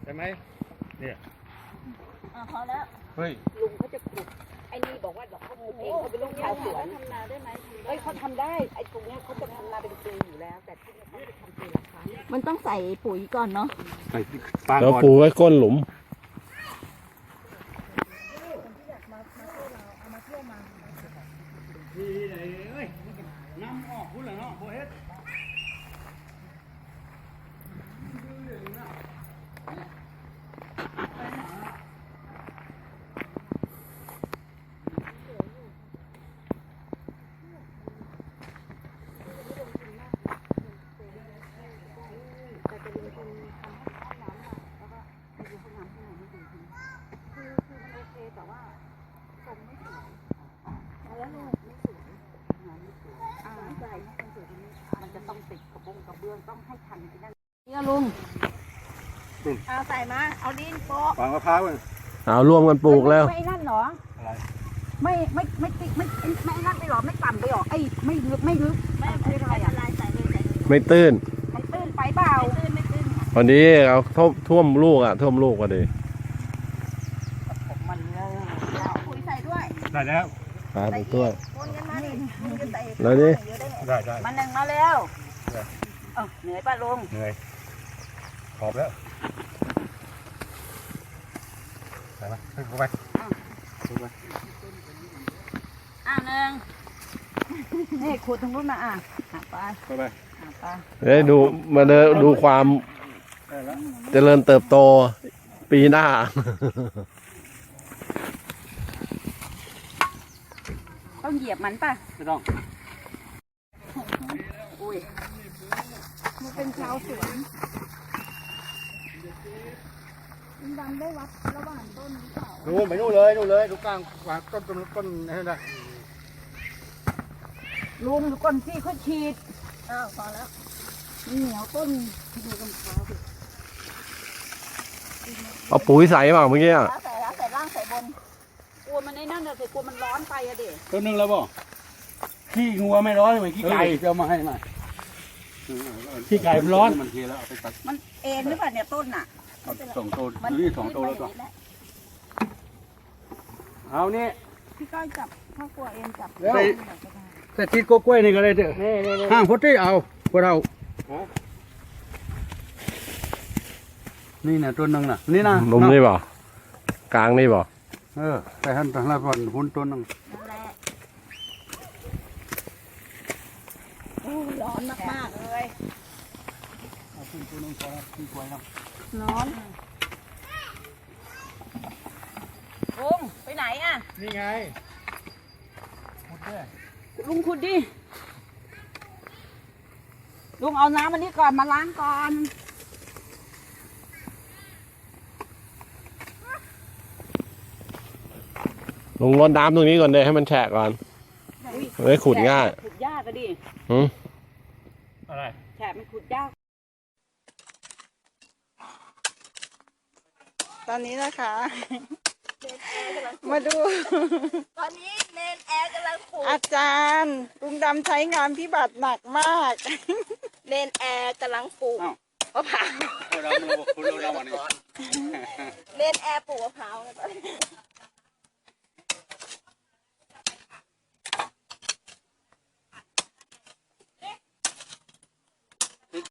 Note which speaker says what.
Speaker 1: ช่ไหมเนี่ย
Speaker 2: พอแล้ว
Speaker 1: เฮ้ย
Speaker 2: ลุงเขาจะขุดไอ้นี่บอกว่าเขาขุดเองเขาเป็นลูกชาวสวนทำนาได้ไหมเฮ้ยเขาทำได้ไอ้ตรงเนี้ยเขาจะทำนาเป็นปีอยู่แล้วแต่ที่นี่เขาจะทำปีละครั้งมันต้องใส่ปุ๋ยก่อนเนาะ
Speaker 1: ใส่ฟาง
Speaker 3: แล้ว
Speaker 1: ก่อน
Speaker 3: ปูไว้ก้นหลุม
Speaker 1: นี่ไหนเอ้ยน้ำออกพุ่นเหรอเนาะโบเฮ็ด
Speaker 2: มันจะต้องติดกระเบื้องต้องให้ทันที่นั่นนี่ลุงเอาใส่มาเอาดินโปะ
Speaker 1: ฟางมะพร้าวเลย
Speaker 3: เอาร่วมกันปลูกแล้ว
Speaker 2: ไม่นั่นหรอ
Speaker 1: อะไร
Speaker 2: ไม่ติดไม่นั่นไปหรอไม่ต่ำไปหรอไอ้ไม่ลึกไม่อะไรอ่ะใส่เลย
Speaker 3: ไม่ตื้น
Speaker 2: มันตื้นไปเปล่าไม่ตื้น
Speaker 3: วันนี้เอาท่วมลูกท่วมลูกพอดี
Speaker 2: มันเอาปุ๋ยใส่ด้วย
Speaker 1: ได้แล้ว
Speaker 3: ไปด้วย
Speaker 2: คนกันมาดิ
Speaker 3: แล้วนี่
Speaker 1: ได้
Speaker 2: มันหนึ่งมาแล้วเหนื่อยป่ะลุง
Speaker 1: เหนื่อยขอบแล้วไปไหมขึ้นไปขึ้นไป
Speaker 2: หนึ่งนี่ขุดตรงนู้นมาไป
Speaker 1: ไป
Speaker 3: ได้ดูความเจริญเติบโตปีหน้า
Speaker 2: ต้องเหยียบมันป่ะ
Speaker 1: ไม่ต้อง
Speaker 2: อุ้ยมันเป็นชาวสวนดำได้วัดระหว่างต้นหรือเปล่า
Speaker 1: นู่นไปนู่นเลยดูกลางวางต้นนั่นนะ
Speaker 2: ลุงก่อนที่เขาฉีดพอแล้วเหนียวต้นดูกำพร้าว
Speaker 3: เอาปุ๋ยใส่เปล่าเมื่อกี้
Speaker 2: ใส่ล่างใส่บนกลัวมันในนั่นเลยกลัวมันร้อนไปอะเด็ก
Speaker 1: ต้นนึงแล้วบ่ขี้งัวไม่ร้อนเหมือนขี้ไก่จะมาให้มาขี้ไก่มันร้อนมันเทแล้วเอาไปตัด
Speaker 2: มันเอ็นหรือเปล่าเนี่ยต้นน่ะ
Speaker 1: 2 โตนี่2 โตแล้วก็เอานี่
Speaker 2: พี่ก้อยจับพ่อกลัวเอ็นจับ
Speaker 1: แต่ติดกล้วยนี่ก็เลยเถอะห้างพดที่เอาพวกเรานี่นะต้นนึงน่ะนี่นะ
Speaker 3: นมนี่บ่กลางนี่บ่
Speaker 1: แต่ท่านทางละก่อนหุ้นต้นนึง
Speaker 2: ร้อนมากๆเลย
Speaker 1: เอาขึ้นต้นนึงพอขึ้นกล้วยแล้ว
Speaker 2: ร้อนลุงไปไหนอ่ะ
Speaker 1: นี่ไงขุดด้วย
Speaker 2: ลุงขุดดิลุงเอาน้ำอันนี้ก่อนมาล้างก่อน
Speaker 3: ลงรดน้ำตรงนี้ก่อนเลยให้มันแฉะก่อนไม่ขุดง่าย
Speaker 2: ขุดยากก็ดิ
Speaker 1: อะไร
Speaker 2: แฉะมันขุดยาก
Speaker 4: ตอนนี้นะคะมาดู
Speaker 2: ตอนนี้เนนแอร์กำลังขุด
Speaker 4: อาจารย์ลุงดำใช้งานพิบัติหนักมาก
Speaker 2: เนนแอร์กำลังปลูกมะพร้าว
Speaker 1: เราวันนี้
Speaker 2: เนนแอร์ปลูกมะพร้าว